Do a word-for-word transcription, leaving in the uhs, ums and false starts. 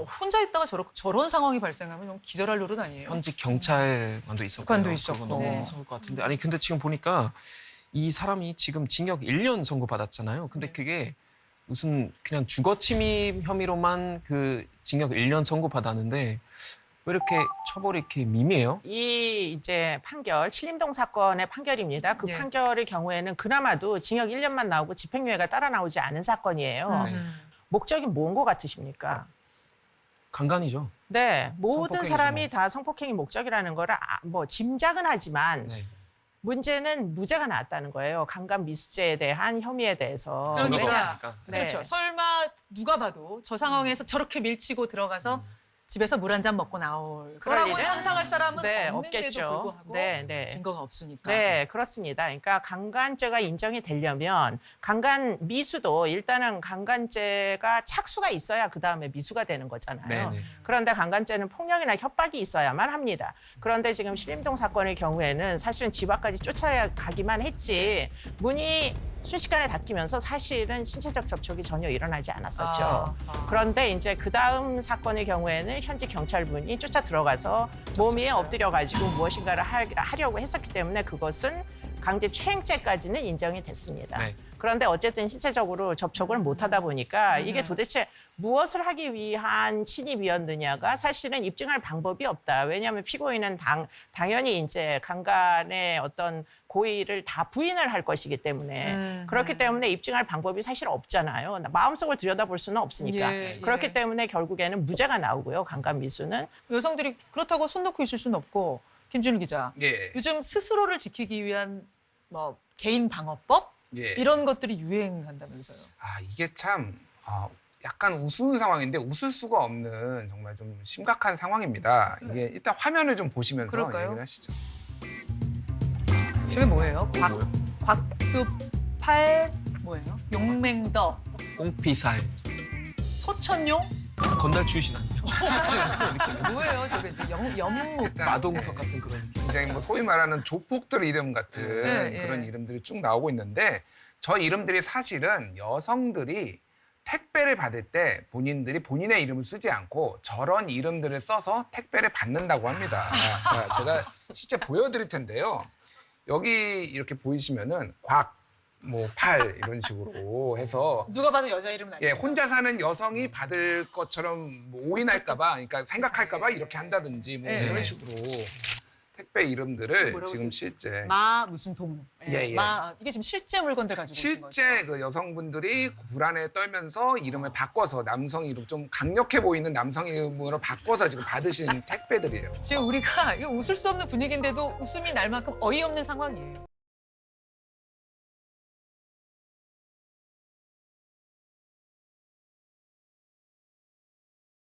혼자 있다가 저런 저런 상황이 발생하면 좀 기절할 노릇 아니에요? 현직 경찰관도 있었고. 관도 있었고. 그거 너무 네. 무서울 것 같은데. 아니 근데 지금 보니까 이 사람이 지금 징역 일 년 선고받았잖아요. 근데 네. 그게 무슨 그냥 주거 침입 혐의로만 그 징역 일 년 선고받았는데 왜 이렇게 처벌이 이렇게 미미해요? 이 이제 판결, 신림동 사건의 판결입니다. 그 예. 판결의 경우에는 그나마도 징역 일 년만 나오고 집행유예가 따라 나오지 않은 사건이에요. 음. 목적이 뭔 것 같으십니까? 강간이죠. 네, 모든 성폭행이죠, 사람이 뭐. 다 성폭행이 목적이라는 거를 아, 뭐 짐작은 하지만 네. 문제는 무죄가 나왔다는 거예요. 강간 미수죄에 대한 혐의에 대해서. 그러니까. 증거가 왜냐- 없으니까. 네. 그렇죠. 설마 누가 봐도 저 상황에서 저렇게 밀치고 들어가서 집에서 물 한 잔 먹고 나올 그럴 거라고 일은? 상상할 사람은 네, 없는데도 없겠죠. 불구하고 네, 네. 증거가 없으니까. 네, 그렇습니다. 그러니까 강간죄가 인정이 되려면 강간 미수도 일단은 강간죄가 착수가 있어야 그 다음에 미수가 되는 거잖아요. 네네. 그런데 강간죄는 폭력이나 협박이 있어야만 합니다. 그런데 지금 신림동 사건의 경우에는 사실은 집 앞까지 쫓아가기만 했지 문이 순식간에 닫히면서 사실은 신체적 접촉이 전혀 일어나지 않았었죠. 아, 아. 그런데 이제 그 다음 사건의 경우에는 현직 경찰분이 쫓아 들어가서 몸 위에 쳤어요. 엎드려 가지고 무엇인가를 하, 하려고 했었기 때문에 그것은 강제 추행죄까지는 인정이 됐습니다. 네. 그런데 어쨌든 신체적으로 접촉을 못하다 보니까 음. 이게 도대체 무엇을 하기 위한 침입이었느냐가 사실은 입증할 방법이 없다. 왜냐하면 피고인은 당, 당연히 이제 강간의 어떤 고의를 다 부인을 할 것이기 때문에 음, 그렇기 음. 때문에 입증할 방법이 사실 없잖아요. 마음속을 들여다볼 수는 없으니까. 예, 예. 그렇기 때문에 결국에는 무죄가 나오고요. 강간 미수는. 여성들이 그렇다고 손 놓고 있을 수는 없고 김준일 기자. 예. 요즘 스스로를 지키기 위한 뭐 개인 방어법 예. 이런 것들이 유행한다면서요. 아 이게 참 아, 약간 우스운 상황인데 웃을 수가 없는 정말 좀 심각한 상황입니다. 이게 일단 화면을 좀 보시면서 그럴까요? 얘기를 하시죠. 저게 뭐예요? 곽, 뭐요? 곽두팔 뭐예요? 용맹더 꽁피살. 소천용 건달 출신 아니에요? 뭐예요? 저게 지금 영, 연묵 일단 마동석 같은 그런 느낌. 굉장히 뭐 소위 말하는 조폭들 이름 같은 네, 그런 예. 이름들이 쭉 나오고 있는데 저 이름들이 사실은 여성들이 택배를 받을 때 본인들이 본인의 이름을 쓰지 않고 저런 이름들을 써서 택배를 받는다고 합니다. 자, 제가 실제 보여드릴 텐데요. 여기 이렇게 보이시면은 곽, 뭐 팔 이런 식으로 해서 누가 봐도 여자 이름은 아니에요. 예, 혼자 사는 여성이 받을 것처럼 뭐 오인할까봐, 그러니까 생각할까봐 이렇게 한다든지 뭐 예, 이런 예. 식으로 택배 이름들을 뭐라고 지금 쓰- 실제 마 무슨 동. 예, 예. 마 이게 지금 실제 물건들 가지고 오신 거죠. 실제 그 여성분들이 불안에 떨면서 이름을 바꿔서 남성 이름 좀 강력해 보이는 남성 이름으로 바꿔서 지금 받으신 택배들이에요. 지금 우리가 이거 웃을 수 없는 분위기인데도 웃음이 날 만큼 어이없는 상황이에요.